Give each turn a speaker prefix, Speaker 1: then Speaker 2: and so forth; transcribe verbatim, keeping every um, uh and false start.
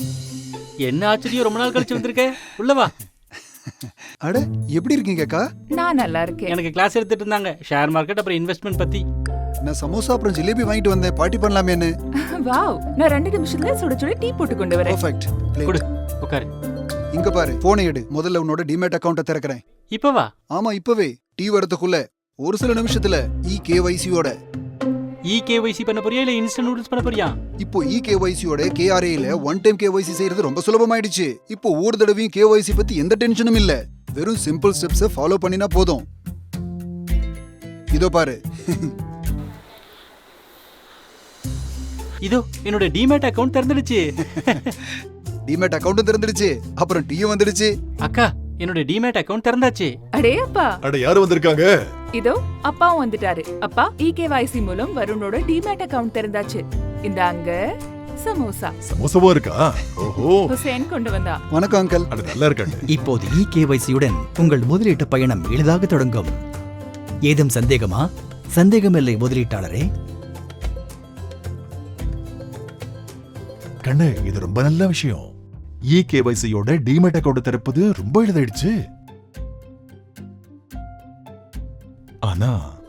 Speaker 1: என்ன ஆச்சரியம், ரொம்ப நாள் கழிச்சு வந்திருக்க. உள்ள வா.
Speaker 2: அட எப்படி இருக்கீங்க அக்கா?
Speaker 3: நான் நல்லா இருக்கேன்.
Speaker 1: எனக்கு கிளாஸ் எடுத்துட்டு இருந்தாங்க, ஷேர் மார்க்கெட் அப்புறம் இன்வெஸ்ட்மெண்ட் பத்தி.
Speaker 2: நான் சமோசா அப்புறம் ஜிலேபி வாங்கிட்டு வந்தேன், பார்ட்டி பண்ணலாமேன்னு.
Speaker 3: வாவ், நான் ரெண்டு நிமிஷத்துல சுட சுட டீ போட்டு கொண்டு வரேன்.
Speaker 2: பெர்ஃபெக்ட்.
Speaker 1: கொடு, உட்காரு.
Speaker 2: இங்க பாரு, போனை எடு. முதல்ல உன்னோட டிமேட் அக்கவுண்ட திறக்கிறேன்.
Speaker 1: இப்ப வா.
Speaker 2: ஆமா இப்பவே. டீ வரதுக்குள்ள ஒரு சில நிமிஷத்துல இ கேஒய்சியோட.
Speaker 1: இ கேஒய்சி பண்ண போறியா இல்ல இன்ஸ்டன்ட் நூடுல்ஸ் பண்ண போறியா?
Speaker 2: இப்போ இ கேஒய்சியோட கேஆர்ஏல ஒன் டைம் கேஒய்சி செய்யறது ரொம்ப சுலபமாயிடுச்சு. இப்போ ஒரு தடவையும் கேஒய்சி பத்தி எந்த டென்ஷனும் இல்ல. வெறும் சிம்பிள் ஸ்டெப்ஸ் ஃபாலோ பண்ணினா போதும். இதோ பாரு.
Speaker 1: இதோ என்னோட டிமேட் அக்கவுண்ட் திறந்துடுச்சு.
Speaker 2: டிமேட் அக்கவுண்டும் திறந்துடுச்சு, அப்புறம் டீயும் வந்துடுச்சு.
Speaker 1: அக்கா, என்னோட டிமேட் அக்கவுண்ட் திறந்தாச்சு.
Speaker 3: அடே அப்பா,
Speaker 4: அட யாரு வந்திருக்காங்க?
Speaker 3: இதோ அப்பாவும் வந்துட்டாரு. அப்பா, இகேவைசி மூலம் வருணோட டிமேட் அக்கவுண்ட் திறந்தாச்சு. இந்தாங்க சமோசா.
Speaker 4: சமோசாவா இருக்கா? ஓஹோ,
Speaker 3: ஹுசேன் கொண்டு வந்தா.
Speaker 2: வணக்கம் அங்கிள்.
Speaker 4: அட நல்லா இருக்காங்க.
Speaker 5: இப்போது இ கேஒய்சியுடன் உங்கள் முதலீட்டு பயணம் எளிதாக தொடங்கும். ஏதும் சந்தேகமா? சந்தேகமில்லை முதலீட்டாளரே.
Speaker 4: கண்ணு, இது ரொம்ப நல்ல விஷயம். இ கேஒய்சியோட டிமேட் அக்கவுண்ட் திறப்பது ரொம்ப எளிதாயிடுச்சு. ஆனா